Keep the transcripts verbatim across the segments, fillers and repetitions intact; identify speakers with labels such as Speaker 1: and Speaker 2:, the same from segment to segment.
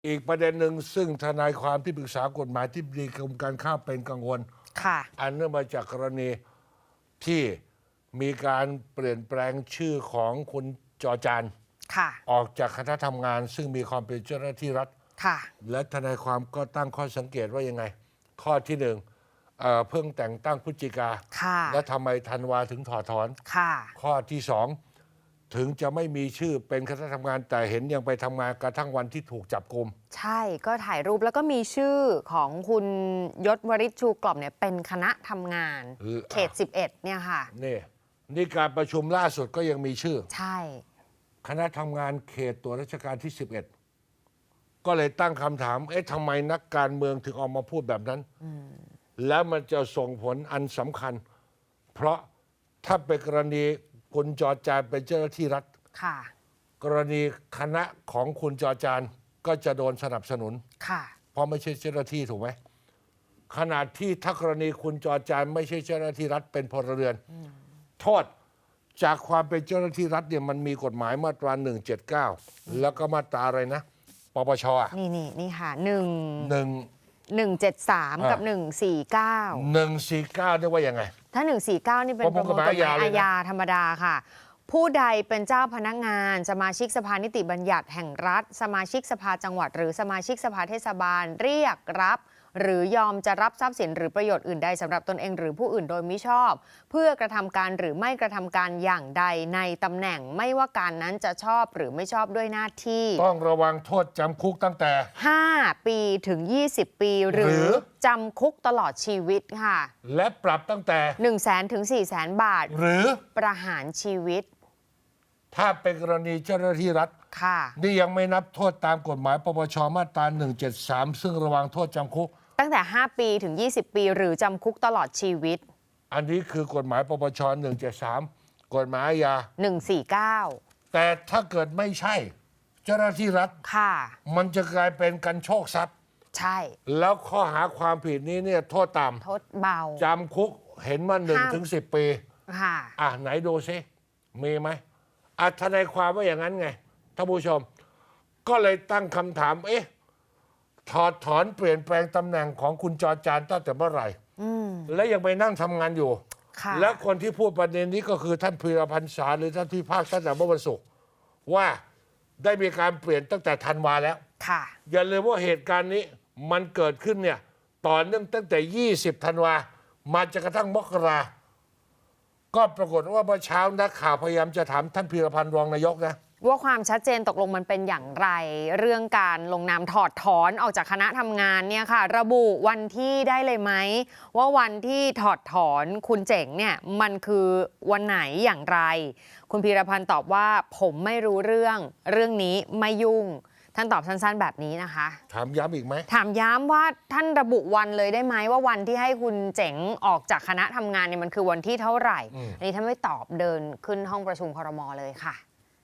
Speaker 1: อีกประเด็นหนึ่งซึ่งทนายความที่ปรึกษากฎหมายที่ดีกรมการข้ามเป็นกังวล
Speaker 2: ค่ะ
Speaker 1: อันเนื่องมาจากกรณีที่มีการเปลี่ยนแปลงชื่อของคุณจอจาน
Speaker 2: ค่ะ
Speaker 1: ออกจากคณะทำงานซึ่งมีความเป็นเจ้าหน้าที่รัฐ
Speaker 2: ค่ะ
Speaker 1: และทนายความก็ตั้งข้อสังเกตว่ายังไง ข้อที่หนึ่งเอ่อเพิ่งแต่งตั้งพฤศจิกา
Speaker 2: ค่ะ
Speaker 1: และทำไมธันวาถึงถอดถอน
Speaker 2: ค่ะ
Speaker 1: ข้อที่สองถึงจะไม่มีชื่อเป็นคณะทำงานแต่เห็นยังไปทำงานกระทั่งวันที่ถูกจับกุม
Speaker 2: ใช่ก็ถ่ายรูปแล้วก็มีชื่อของคุณยศวริชชูกล่อมเนี่ยเป็นคณะทำงานเขตสิบเอ็ดเนี่ยค่ะ
Speaker 1: นี่นี่การประชุมล่าสุดก็ยังมีชื่อ
Speaker 2: ใช่
Speaker 1: คณะทำงานเขตตัวราชการที่สิบเอ็ดก็เลยตั้งคำถามเอ๊ะทำไมนักการเมืองถึงออกมาพูดแบบนั้นแล้วมันจะส่งผลอันสำคัญเพราะถ้าเป็นกรณีคุณจอจานเป็นเจ้าหน้าที่รัฐ
Speaker 2: ค่ะ
Speaker 1: กรณีคณะของคุณจอจานก็จะโดนสนับสนุน
Speaker 2: ค่ะ
Speaker 1: เพราะไม่ใช่เจ้าหน้าที่ถูกไหมขนาดที่ถ้ากรณีคุณจอจานไม่ใช่เจ้าหน้าที่รัฐเป็นพลเรือนโทษจากความเป็นเจ้าหน้าที่รัฐเนี่ยมันมีกฎหมายมาตราหนึ่งเจ็ดเก้าแล้วก็มาตราอะไรนะปปช
Speaker 2: นี่นี่นี่ค่ะหนึ่ง
Speaker 1: หนึ่ง
Speaker 2: หนึ่งเจ็ดสามกับหนึ่งสี่เก้า
Speaker 1: หนึ่งสี่เก้าเนี่ยว่ายังไง
Speaker 2: ถ้าหนึ่งสี่เก้านี่เป็นประมวลกฎหมายอาญาธรรมดาค่ะผู้ใดเป็นเจ้าพนักงานสมาชิกสภานิติบัญญัติแห่งรัฐสมาชิกสภาจังหวัดหรือสมาชิกสภาเทศบาลเรียกรับหรือยอมจะรับทรัพย์สินหรือประโยชน์อื่นใดสำหรับตนเองหรือผู้อื่นโดยมิชอบเพื่อกระทำการหรือไม่กระทำการอย่างใดในตำแหน่งไม่ว่าการนั้นจะชอบหรือไม่ชอบด้วยหน้าที่
Speaker 1: ต้องระวังโทษจำคุกตั้งแต่
Speaker 2: ห้าปีถึงยี่สิบปีหรือจำคุกตลอดชีวิตค่ะ
Speaker 1: และปรับตั้งแต่
Speaker 2: หนึ่งแสนถึงสี่แสนบาท
Speaker 1: หรือ
Speaker 2: ประหารชีวิต
Speaker 1: ถ้าเป็นกรณีเจ้าหน้าที่รัฐ
Speaker 2: ค่ะ
Speaker 1: นี่ยังไม่นับโทษตามกฎหมายปปชมาตราหนึ่งเจ็ดสามซึ่งระวังโทษจำคุก
Speaker 2: ตั้งแต่ห้าปีถึงยี่สิบปีหรือจำคุกตลอดชีวิต
Speaker 1: อันนี้คือกฎหมายปปชหนึ่งเจ็ดสามกฎหมายอาญา
Speaker 2: หนึ่งสี่เก้า
Speaker 1: แต่ถ้าเกิดไม่ใช่เจ้าหน้าที่รัฐ
Speaker 2: ค่ะ
Speaker 1: มันจะกลายเป็นการโชคทรัพย์
Speaker 2: ใช่
Speaker 1: แล้วข้อหาความผิดนี้เนี่ยโทษต่ำ
Speaker 2: โทษเบา
Speaker 1: จำคุกเห็นมาหนึ่งถึงสิบปี
Speaker 2: ค่ะ
Speaker 1: อ่ะไหนดูซิมีไหมอ่ะทนายความว่าอย่างนั้นไงท่านผู้ชมก็เลยตั้งคำถามเอ๊ะถอดถอนเปลี่ยนแปลงตำแหน่งของคุณจอจานตั้งแต่เมื่อไหร่และยังไปนั่งทำงานอยู่และคนที่พูดประเด็นนี้ก็คือท่านพีรพันธ์สาหรือท่านที่ภาคตั้งแต่เมื่อวันศุกร์ว่าได้มีการเปลี่ยนตั้งแต่ธันวาแล้วอย่าลืมว่าเหตุการณ์นี้มันเกิดขึ้นเนี่ยต่อเนื่องตั้งแต่ยี่สิบธันวามาจนกระทั่งมกราก็ปรากฏว่าเมื่อเช้านักข่าวพยายามจะถามท่านพีรพันธ์รองนายกนะ
Speaker 2: ว่าความชัดเจนตกลงมันเป็นอย่างไรเรื่องการลงนามถอดถอนออกจากคณะทำงานเนี่ยค่ะระบุวันที่ได้เลยไหมว่าวันที่ถอดถอนคุณเจ๋งเนี่ยมันคือวันไหนอย่างไรคุณพีรพันธ์ตอบว่าผมไม่รู้เรื่องเรื่องนี้ไม่ยุ่งท่านตอบสั้นๆแบบนี้นะคะ
Speaker 1: ถามย้ำอีกไหม
Speaker 2: ถามย้ำว่าท่านระบุวันเลยได้ไหมว่าวันที่ให้คุณเจ๋งออกจากคณะทำงานเนี่ยมันคือวันที่เท่าไหร่อันนี้ท่านไม่ตอบเดินขึ้นห้องประชุมครม.เลยค่ะ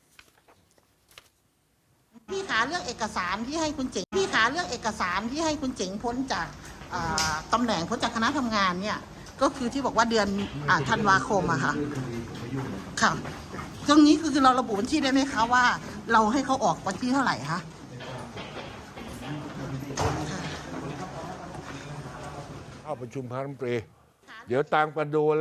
Speaker 3: พี่ขาเรื่องเอกสารที่ให้คุณเจ๋งพี่ขาเรื่องเอกสารที่ให้คุณเจ๋งพ้นจากตำแหน่งพ้นจากคณะทำงานเนี่ยก็คือที่บอกว่าเดือนธันวาคมอะค่ะค่ะตรงนี้คือเราระบุวันที่ได้ไหมคะว่าเราให้เขาออกวันที่เท่าไหร่คะ
Speaker 1: เข้าประชุมคณะรัฐมนตรีเดี๋ยวตามกันดู